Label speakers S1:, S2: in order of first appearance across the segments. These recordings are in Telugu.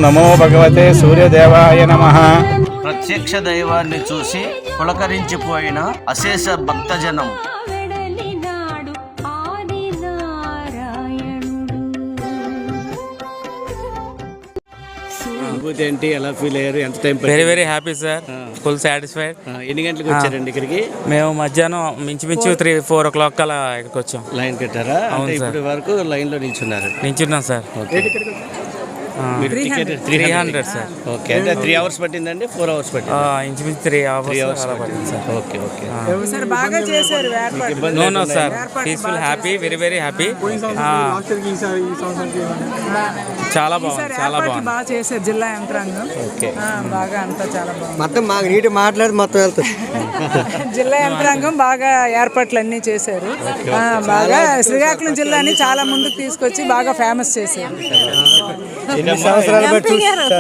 S1: నమో భగవతే సూర్యదేవాయ నమః.
S2: ప్రత్యక్ష దైవాన్ని చూసి పులకరించిపోయిన అశేష భక్తజనం.
S3: అనుభూతి ఏంటి? ఎలా ఫీల్ అయ్యారు? ఎంత time?
S4: Very happy sir, full satisfied.
S3: ఎన్ని గంటలకు వచ్చారండి ఇక్కడికి?
S4: మేము మధ్యాహ్నం మించుమించు 3-4 o'clock అలా ఇక్కడికి వచ్చాం.
S3: లైన్ కట్టారా?
S4: అవును సార్.
S3: ఇప్పటి వరకు లైన్ లో నిల్చున్నారు.
S4: నించున్నాం సార్.
S3: మీరు టికెట్
S4: 300 సార్.
S3: ఓకే, అంటే 3 hours పట్టిందండి? 4 hours పట్టింది?
S4: ఇంచుమించు 3 hours అలా పట్టింది సార్.
S3: Okay okay.
S5: బాగా చేశారు.
S4: No sir, peaceful, happy, very happy. చాలా బాగుంది, చాలా బాగుంది.
S5: బాగా చేశారు జిల్లా యంత్రాంగం. బాగా అంతా చాలా బాగుంది.
S6: మొత్తం మాకు నీటి మాట్లాడి మొత్తం వెళ్తాం.
S5: జిల్లా యంత్రాంగం బాగా ఏర్పాట్లు అన్నీ చేశారు. బాగా శ్రీకాకుళం జిల్లాని చాలా ముందుకు తీసుకొచ్చి బాగా ఫేమస్ చేశారు.
S6: ఎన్ని సంవత్సరాలు బట్టి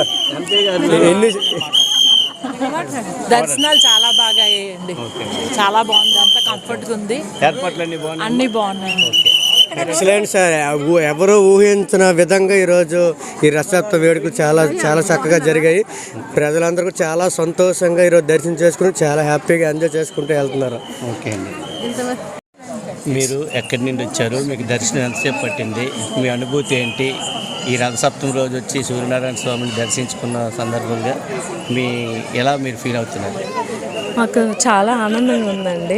S7: దర్శనాలు చాలా బాగా అయ్యాయండి. చాలా బాగుంది, అంతా కంఫర్ట్గా ఉంది.
S3: ఏర్పాట్లన్నీ బాగున్నాయి?
S7: అన్ని బాగున్నాయి.
S6: Excellent sir. ఎవరు ఊహించిన విధంగా ఈరోజు ఈ రథసప్తమి వేడుకలు చాలా చాలా చక్కగా జరిగాయి. ప్రజలందరూ చాలా సంతోషంగా ఈరోజు దర్శనం చేసుకుని చాలా హ్యాపీగా ఎంజాయ్ చేసుకుంటూ వెళ్తున్నారు.
S3: ఓకే అండి. మీరు ఎక్కడి నుండి వచ్చారు? మీకు దర్శనం ఎంతసేపు పట్టింది? మీ అనుభూతి ఏంటి? ఈ రథసప్తమి రోజు వచ్చి సూర్యనారాయణ స్వామిని దర్శించుకున్న సందర్భంగా మీరు ఫీల్ అవుతున్నారు?
S8: మాకు చాలా ఆనందంగా ఉందండి.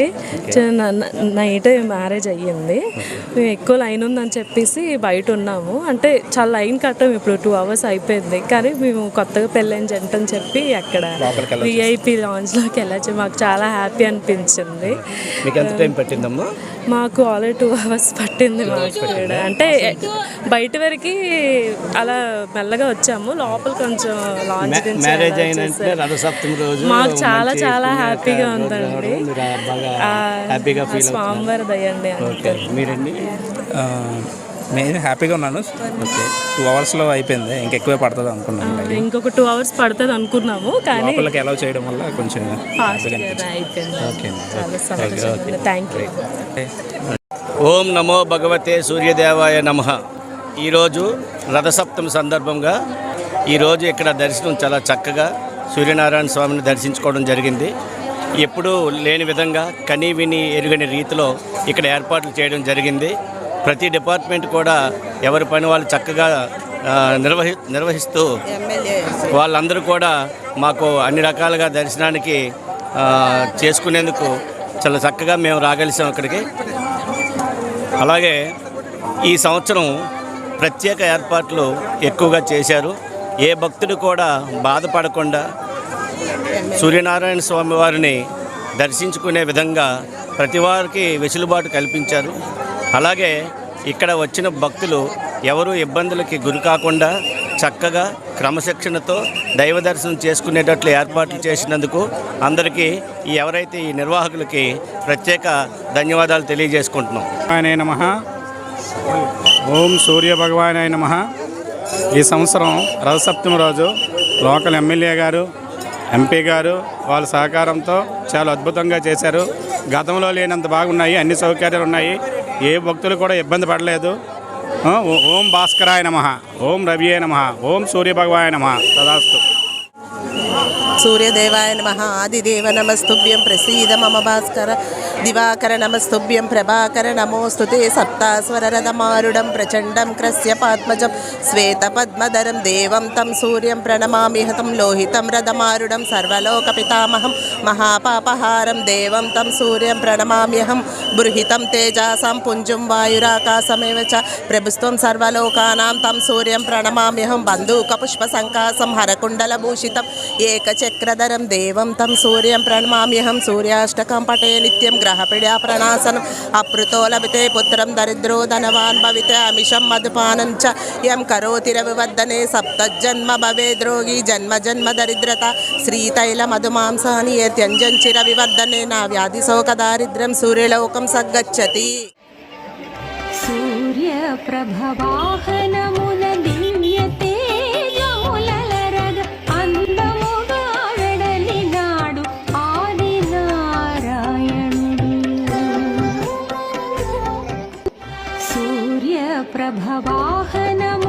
S8: నైట్ మ్యారేజ్ అయ్యింది. మేము ఎక్కువ లైన్ ఉందని చెప్పేసి బయట ఉన్నాము. అంటే చాలా లైన్ కట్టాము. ఇప్పుడు 2 hours అయిపోయింది. కానీ మేము కొత్తగా పెళ్ళైన జంట అని చెప్పి అక్కడ విఐపి లాంజ్లోకి వెళ్ళచ్చు. మాకు చాలా హ్యాపీ అనిపించింది.
S3: మీకు ఎంత టైం పట్టిందమ్మా?
S8: మాకు ఆల్రెడీ 2 hours పట్టింది. మాకు కూడా అంటే బయట వరకు అలా మెల్లగా వచ్చాము. లోపల కొంచెం లాంజ్
S3: మ్యారేజ్ అయినంటే రథసప్తమి రోజు
S8: మాకు చాలా చాలా హ్యాపీగా ఉందండి.
S3: హ్యాపీగా ఫీల్
S8: స్వామివారి దయండి.
S3: ఓకే, మీరండి?
S4: నేను హ్యాపీగా ఉన్నాను.
S3: ఓకే,
S4: 2 hours అయిపోయింది. ఇంకెక్కువే పడుతుంది అనుకున్నాను.
S8: ఇంకొక 2 hours పడుతుంది అనుకున్నాము, కానీ
S4: లోపలికి అలౌ చేయడం వల్ల కొంచెం
S8: అయిపోయింది.
S3: ఓకే.
S8: చాలా సంతోషం. Thank you.
S3: ఓం నమో భగవతే సూర్యదేవాయ నమః. ఈరోజు రథసప్తమి సందర్భంగా ఈరోజు ఇక్కడ దర్శనం చాలా చక్కగా సూర్యనారాయణ స్వామిని దర్శించుకోవడం జరిగింది. ఎప్పుడూ లేని విధంగా కనీ విని ఎరుగని రీతిలో ఇక్కడ ఏర్పాట్లు చేయడం జరిగింది. ప్రతి డిపార్ట్మెంట్ కూడా ఎవరి పని వాళ్ళు చక్కగా నిర్వహిస్తూ వాళ్ళందరూ కూడా మాకు అన్ని రకాలుగా దర్శనానికి చేసుకునేందుకు చాలా చక్కగా మేము రాగలిసాం ఇక్కడికి. అలాగే ఈ సంవత్సరం ప్రత్యేక ఏర్పాట్లు ఎక్కువగా చేశారు. ఏ భక్తుడు కూడా బాధపడకుండా సూర్యనారాయణ స్వామి వారిని దర్శించుకునే విధంగా ప్రతి వారికి వెసులుబాటు కల్పించారు. అలాగే ఇక్కడ వచ్చిన భక్తులు ఎవరు ఇబ్బందులకి గురి కాకుండా చక్కగా క్రమశిక్షణతో దైవ దర్శనం చేసుకునేటట్లు ఏర్పాట్లు చేసినందుకు అందరికీ ఎవరైతే ఈ నిర్వాహకులకి ప్రత్యేక ధన్యవాదాలు తెలియజేసుకుంటున్నాం.
S1: నమః. ఓం సూర్య భగవానాయ నమః. ఈ సంవత్సరం రథసప్తమి రోజు లోకల్ ఎమ్మెల్యే గారు, ఎంపీ గారు వాళ్ళ సహకారంతో చాలా అద్భుతంగా చేశారు. గతంలో లేనంత బాగున్నాయి. అన్ని సౌకర్యాలు ఉన్నాయి. ఏ భక్తులు కూడా ఇబ్బంది పడలేదు. ఓం భాస్కరాయ నమః, ఓం రవియే నమః, ఓం సూర్య భగవాయ నమః. తదాస్తు.
S9: సూర్యదేవాయ నమః. ఆదిదేవ నమస్తుభ్యం ప్రసీద మమ భాస్కర. దివాకర నమస్తుభ్యం ప్రభాకర. నమోస్తుతే సప్తాస్వరరథమారుడం ప్రచండం క్రస్యపాత్మజం శ్వేతపద్మధరం దేవం తం సూర్యం ప్రణమామి. హతం లోహితం రథమారుడం సర్వలోక పితామహం మహాపాపహారం దేవం తం సూర్యం ప్రణమామ్యహం. బృహితం తేజాసాం పుంజం వాయురాకాశమేవ చ ప్రభుత్వం సర్వలోకానాం తం సూర్యం ప్రణమామ్యహం. బంధూకపుష్పసంకాసం హరకుండలభూషితం ఏకచక్రధరం దేవం తం సూర్యం ప్రణమామ్యహం. సూర్యాష్టకం పటే నిత్యం గ్రహపీడా ప్రణాసనం. అపృతో లభితే పుత్రం దరిద్రో ధనవాన్ భవితే అమిషం మధుపానం చ యం కరోతి రవివర్ధనే సప్తజన్మ భవేద్రోగి జన్మ జన్మ దరిద్రత. శ్రీతైల మధుమాంసాని యత్యంజం చిర వివర్ధనే నా వ్యాధి శోక దారిద్ర్యం సూర్యలోకం సగ్గచ్చతి.
S10: సూర్య ప్రభవాహనమున దివ్య తేజములరగ అందముగా వెడలినాడు ఆది నారాయణుడు. సూర్య ప్రభవాహనము